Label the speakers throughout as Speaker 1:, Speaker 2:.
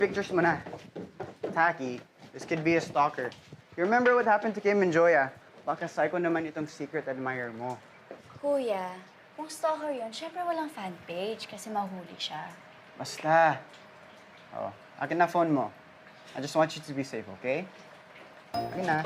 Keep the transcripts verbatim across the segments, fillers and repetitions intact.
Speaker 1: Pictures mo na. Taki, this could be a stalker. You remember what happened to Kim and Joya? Baka psycho naman itong secret admirer mo.
Speaker 2: Kuya, kung stalker yun, syempre walang fan page kasi mahuli siya.
Speaker 1: Basta. Oh, akin na phone mo. I just want you to be safe, okay? Akin na.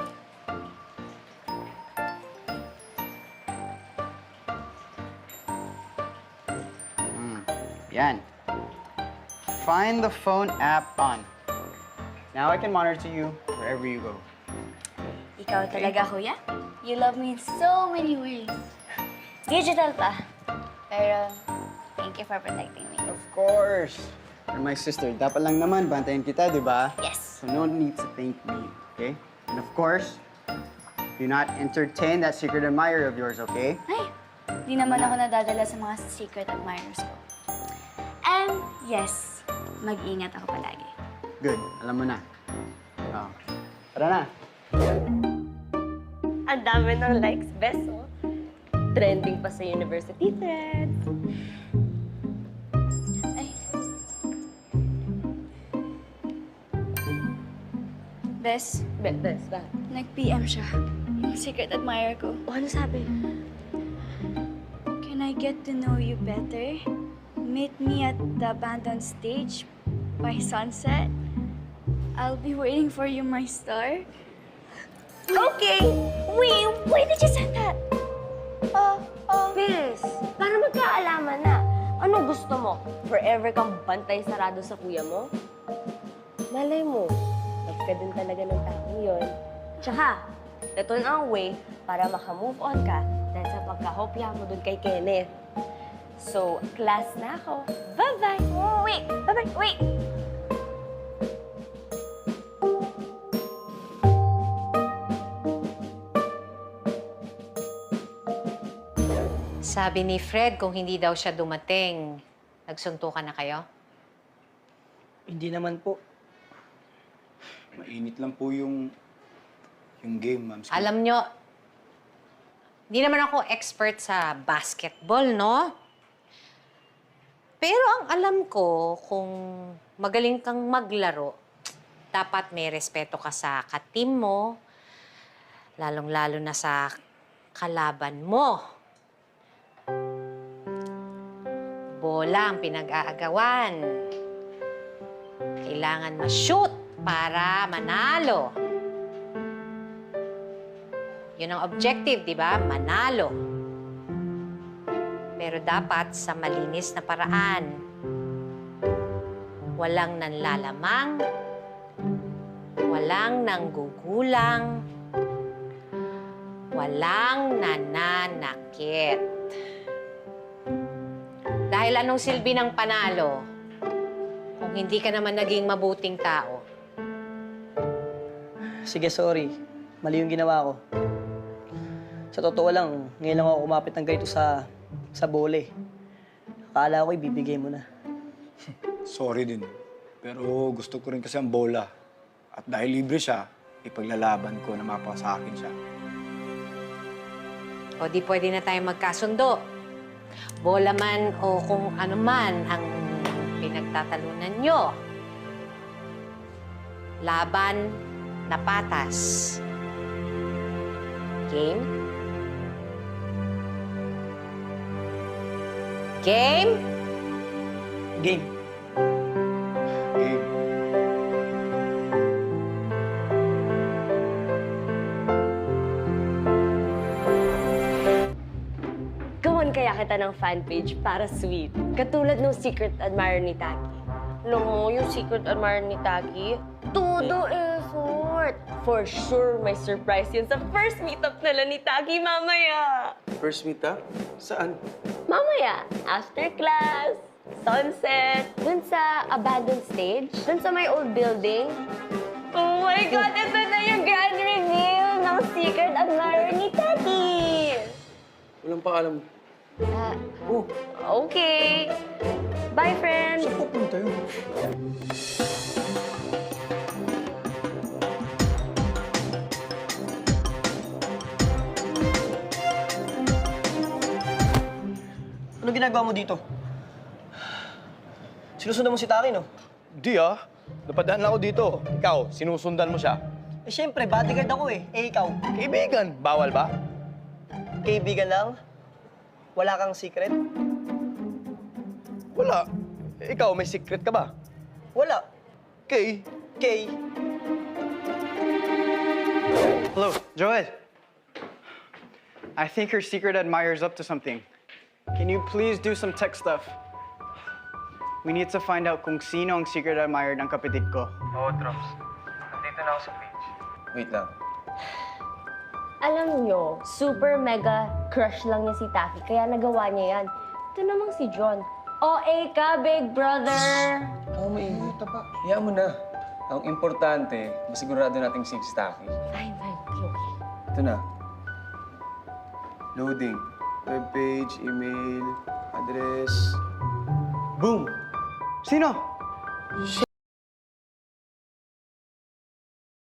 Speaker 1: Hmm, yan. Find the phone app on. Now I can monitor you wherever you go.
Speaker 2: Ikaw talaga, kuya? You love me in so many ways. Digital pa. Pero, thank you for protecting me.
Speaker 1: Of course. You're my sister. Dapat lang naman, bantayan kita, di ba?
Speaker 2: Yes.
Speaker 1: So no need to thank me, okay? And of course, do not entertain that secret admirer of yours, okay?
Speaker 2: Ay, di naman ako nadadala sa mga secret admirers ko. And yes, mag-ingat ako palagi.
Speaker 1: Good. Alam mo na. Oh. Tara na.
Speaker 3: Ang dami ng likes, beso. Trending pa sa university threads.
Speaker 2: Ay. Bes,
Speaker 3: Be bes, ba?
Speaker 2: nag-P M siya. Yung secret admirer ko.
Speaker 3: O, ano sabi?
Speaker 2: Can I get to know you better? Meet me at the abandoned stage by sunset. I'll be waiting for you, my star.
Speaker 3: Okay! Wait, why did you send that?
Speaker 2: Oh, oh.
Speaker 3: Bes, para magkaalaman na. Ano gusto mo? Forever kang bantay sarado sa kuya mo? Malay mo, love ka din talaga ng taong yun. Tsaka, ito na ang way para makamove on ka dahil sa pagkahopya mo dun kay Kenneth. So, class na ako. Bye-bye!
Speaker 2: Wait, bye-bye, wait!
Speaker 4: Sabi ni Fred, kung hindi daw siya dumating, nagsuntukan na kayo?
Speaker 5: Hindi naman po.
Speaker 6: Mainit lang po yung yung game, ma'am.
Speaker 4: Alam nyo, hindi naman ako expert sa basketball, no? Pero ang alam ko, kung magaling kang maglaro, dapat may respeto ka sa katim mo, lalong-lalo na sa kalaban mo. Bola ang pinag-aagawan. Kailangan ma-shoot para manalo. Yun ang objective, di ba? Manalo. Pero dapat sa malinis na paraan. Walang nanlalamang, walang nanggugulang, walang nananakit. Dahil anong silbi ng panalo kung hindi ka naman naging mabuting tao?
Speaker 5: Sige, sorry. Mali yung ginawa ko. Sa totoo lang, ngayon lang ako kumapit ng ganito sa, sa bole. Akala ko ibibigay mo na.
Speaker 6: Sorry din. Pero gusto ko rin kasi ang bola. At dahil libre siya, ipaglalaban ko na mapa sa akin siya.
Speaker 4: O di pwede na tayo magkasundo. Bola man o kung ano man ang pinagtatalunan nyo. Laban na patas. Game? Game?
Speaker 5: Game.
Speaker 6: Game.
Speaker 3: Gawan kaya kita ng fan page para sweet. Katulad ng secret admirer ni Taki. Alam mo, yung secret admirer ni Taki, todo effort. For sure, may surprise yun sa first meetup nila ni Taki mamaya.
Speaker 7: First meet up? Saan?
Speaker 3: Mamaya, after class, sunset, dun sa abandoned stage, dun sa my old building. Oh my God, ito na yung grand reveal ng secret admirer ni Taki!
Speaker 7: Walang paalam.
Speaker 3: Ah,
Speaker 7: Oh,
Speaker 3: okay. Bye, friend.
Speaker 6: Saan pupunta yun?
Speaker 5: Ano ginagawa mo dito? Sinusundan mo si Taki, no?
Speaker 6: Di ah. napadaan lang ako dito. Ikaw, sinusundan mo siya.
Speaker 5: Eh, syempre, bodyguard ako eh. Eh, ikaw,
Speaker 6: Kaibigan, bawal ba?
Speaker 5: kaibigan lang? Wala kang secret?
Speaker 6: Wala. Ikaw, may secret ka ba?
Speaker 5: Wala.
Speaker 6: Kay,
Speaker 5: Kay,
Speaker 1: Hello, Joel. I think her secret admirer's up to something. Can you please do some tech stuff? We need to find out kung sino ang secret admirer ng kapatid ko.
Speaker 8: Oo, Drops. Nandito na ako sa page.
Speaker 7: Wait lang.
Speaker 3: Alam nyo, super mega crush lang niya si Taki, kaya nagawa niya yan. Ito namang si John. O A ka, big brother!
Speaker 7: Ako maingay. Hayaan mo na. Ang importante, masigurado nating safe si Taki.
Speaker 3: Fine, fine. Okay, okay.
Speaker 7: Ito na. Loading. Webpage, email, address. Boom!
Speaker 1: Sino?